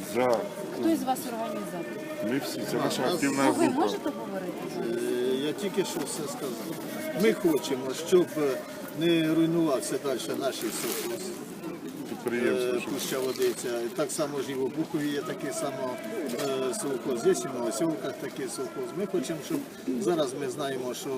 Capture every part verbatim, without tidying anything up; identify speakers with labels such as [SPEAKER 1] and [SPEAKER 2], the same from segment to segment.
[SPEAKER 1] За.
[SPEAKER 2] Хто із вас організатор?
[SPEAKER 1] Ми всі, це наша активна
[SPEAKER 2] Ну, ви
[SPEAKER 1] група.
[SPEAKER 2] можете говорити?
[SPEAKER 3] Е, Я тільки що все сказав. Ми хочемо, щоб не руйнувався далі наші совхоз.
[SPEAKER 1] Підприємство. щоб-
[SPEAKER 3] Пуща Водиця. Так само ж і в Обухові є такий само е, совхоз. Є і в Новоселках такий совхоз. Ми хочемо, щоб зараз ми знаємо, що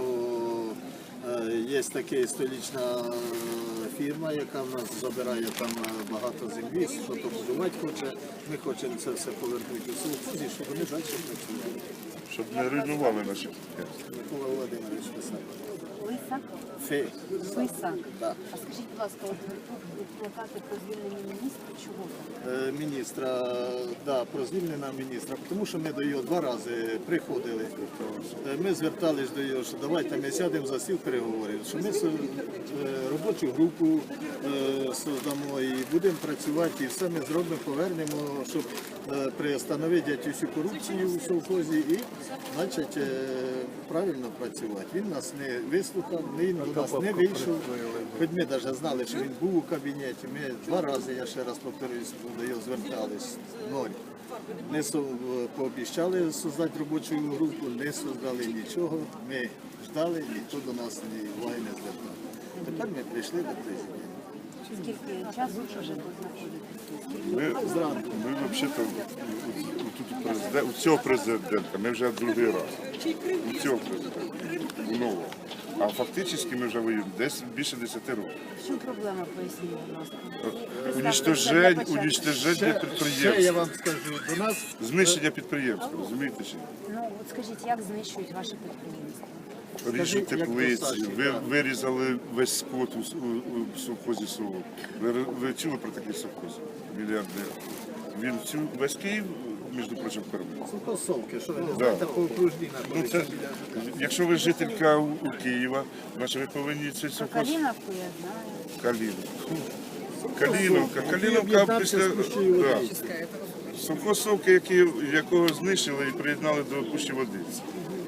[SPEAKER 3] е, є така столічна фірма, яка в нас забирає там е, багато землі, що то будувати хоче. Ми хочемо це все повернути у совхозі, щоб вони далі працювали.
[SPEAKER 1] Щоб не руйнували наші підприємства.
[SPEAKER 3] Микола Володимирович писав.
[SPEAKER 2] Лисак?
[SPEAKER 3] Фе.
[SPEAKER 2] Лисак.
[SPEAKER 3] Да.
[SPEAKER 2] А скажіть, будь ласка, от тут плакати про звільнення міністра, чого там?
[SPEAKER 3] Е, Міністра, да, про звільнення міністра, тому що ми до його два рази приходили. Е, Ми звертались до його, що давайте ми сядемо за стіл переговорів, що ми со- е, робочу групу е, создамо і будемо працювати, і все ми зробимо, повернемо, щоб е, приостановити цю корупцію у совхозі і значить, е, правильно працювати. Він нас не вислухав, він до нас не вийшов. Хоч ми навіть знали, що він був у кабінеті. Ми два рази, я ще раз повторюсь, до його звертались. Ноль. Не со- пообіцяли создати робочу групу, не создали нічого. Ми ждали, ніхто до нас ні уваги не звертав. Тепер ми прийшли до президента.
[SPEAKER 2] Скільки часу вже тут знаходитесь?
[SPEAKER 1] Ми,
[SPEAKER 3] Зранку.
[SPEAKER 1] ми взагалі-то тут у, президент, у цього президента, ми вже другий раз. У цього президента, у нового. А фактично ми вже воюємо десь більше десяти років.
[SPEAKER 2] В чому проблема, поясніть, будь ласка?
[SPEAKER 1] Унічтожень,
[SPEAKER 2] Для початку.
[SPEAKER 1] унічтоження
[SPEAKER 3] Ще, ще я
[SPEAKER 1] підприємств,
[SPEAKER 3] вам скажу, до нас
[SPEAKER 1] знищення підприємства, розумієте чи ні?
[SPEAKER 2] Ну, от скажіть, як знищують ваше підприємство?
[SPEAKER 1] Ріжуть
[SPEAKER 3] Скажи, як
[SPEAKER 1] теплиці,
[SPEAKER 3] Саші,
[SPEAKER 1] ви,
[SPEAKER 3] так.
[SPEAKER 1] вирізали весь скот у, с- у, у совхозі село. Ви, ви чули про такий совхоз? Мільярдер. Він всю весь Київ, між прочим, кормив.
[SPEAKER 3] Совки, що ви не
[SPEAKER 1] Да.
[SPEAKER 3] знаєте, по окружній
[SPEAKER 1] Ну,
[SPEAKER 3] знаходиться.
[SPEAKER 1] це, якщо ви жителька у, у Києва, значить ви повинні цей
[SPEAKER 2] Про
[SPEAKER 1] совхоз
[SPEAKER 2] Каліновку я знаю.
[SPEAKER 1] Каліновка. Каліновка, Каліновка
[SPEAKER 3] об'єднався
[SPEAKER 1] після
[SPEAKER 3] з Пущею
[SPEAKER 1] да.
[SPEAKER 3] Водиці.
[SPEAKER 1] совхоз Совки, який, якого знищили і приєднали до Пущі Водиці.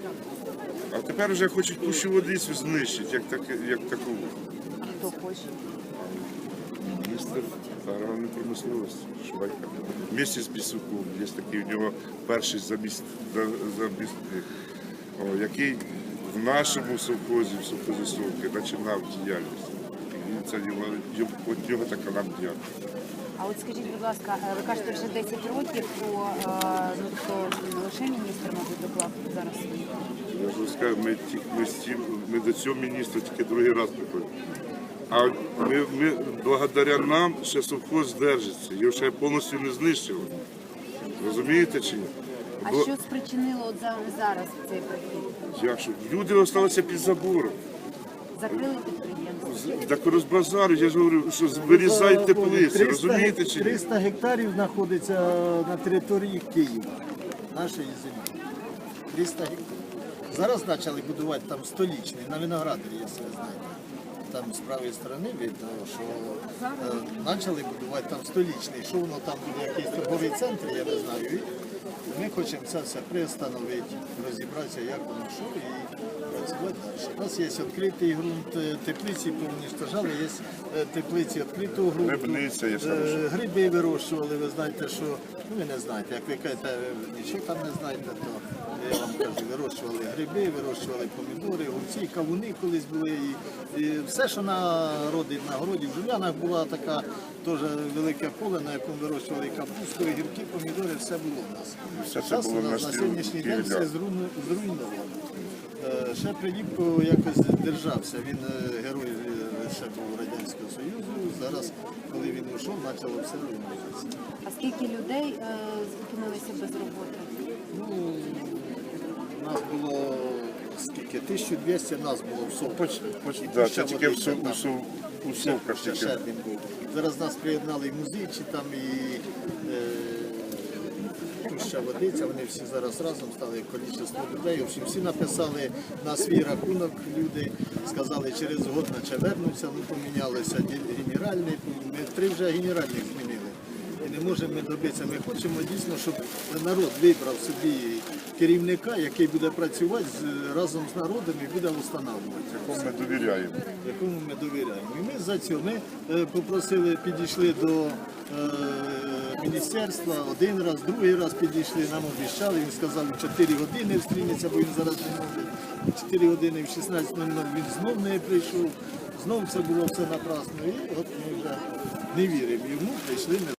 [SPEAKER 1] А тепер вже хочуть Пущу Водицю знищити, як, так, як такову.
[SPEAKER 2] А хто хоче?
[SPEAKER 1] Міністр аграрної промисловості Швайка. Вместе з Бісуком. Є такий у нього перший заміст, за- замісник, о, який в нашому совхозі, в совхозі Совки, починав діяльність. І він це його, його, от його така нам діяльність.
[SPEAKER 2] А от скажіть, будь ласка, е, ви кажете, вже десять років, то, е, ну, то не лише міністр, мабуть, доклав зараз.
[SPEAKER 1] Я ж розкажу, ми, ті- ми, з цим- ми до цього міністра тільки другий раз приходимо. А ми, ми, благодаря нам ще совхоз держиться, його ще повністю не знищили. Розумієте чи ні?
[SPEAKER 2] А
[SPEAKER 1] Бо-
[SPEAKER 2] що спричинило от за- зараз цей прихід?
[SPEAKER 1] Як що? Люди залишилися під забором.
[SPEAKER 2] Закрили підприємство?
[SPEAKER 1] Так розбазарю, я ж говорю, що вирізають теплиці, розумієте чи ні?
[SPEAKER 3] триста гектарів знаходиться на території Києва, нашої землі. триста гектарів. Зараз почали будувати там столічний, на Виноградарі, якщо ви знаєте. Там з правої сторони видно, що е, почали будувати там столічний. Що воно там буде, якийсь торговий центр, я не знаю. І ми хочемо це все приостановити, розібратися, як воно що, і працювати далі. У нас є відкритий ґрунт, е, теплиці повніштожали, є е, теплиці відкритого ґрунту.
[SPEAKER 1] Грибниця є ще.
[SPEAKER 3] Е, Гриби вирощували, ви знаєте, що, ну ви не знаєте, як ви кажете, ви нічого там не знаєте, то я вам кажу, вирощували гриби, вирощували помідори, огурці, кавуни колись були. І, і все, що народить на городі. В Жулянах була така теж велике поле, на якому вирощували капусту, гірки, помідори, все було в нас.
[SPEAKER 1] Все це
[SPEAKER 3] Зараз
[SPEAKER 1] було
[SPEAKER 3] у
[SPEAKER 1] на
[SPEAKER 3] нас на
[SPEAKER 1] стіл-
[SPEAKER 3] сьогоднішній день
[SPEAKER 1] Києва.
[SPEAKER 3] все зруйну- зруйновано. Е, Ще Приліпко якось держався, він е, герой е, ще був Радянського Союзу, зараз, коли він ушов, почало все руйнуватися.
[SPEAKER 2] А скільки людей е, зупинилися без роботи?
[SPEAKER 3] Ну, нас було скільки? тисяча двісті нас було в Совках.
[SPEAKER 1] Поч, поч, да, це тільки в, Сов- у, Сов- у Совках
[SPEAKER 3] Ще
[SPEAKER 1] тільки.
[SPEAKER 3] Щербін був. Зараз нас приєднали і музичі, там і е, Пуща Водиця, вони всі зараз разом стали кількість людей. В общем, всі написали на свій рахунок люди, сказали, через год наче вернуться, ну помінялися ді- генеральний, ми три вже генеральних змінили. І не можемо ми добитися. Ми хочемо дійсно, щоб народ вибрав собі керівника, який буде працювати з- разом з народом і буде встановлювати.
[SPEAKER 1] Якому ми довіряємо.
[SPEAKER 3] Якому ми довіряємо. І ми за цього ми е, попросили, підійшли до е, міністерства, один раз, другий раз підійшли, нам обіцяли, він сказав, в чотири години встрінеться, бо він зараз не може. В чотири години в шістнадцять нуль нуль він знов не прийшов, знов це було все напрасно. І от ми вже не віримо йому, прийшли ми.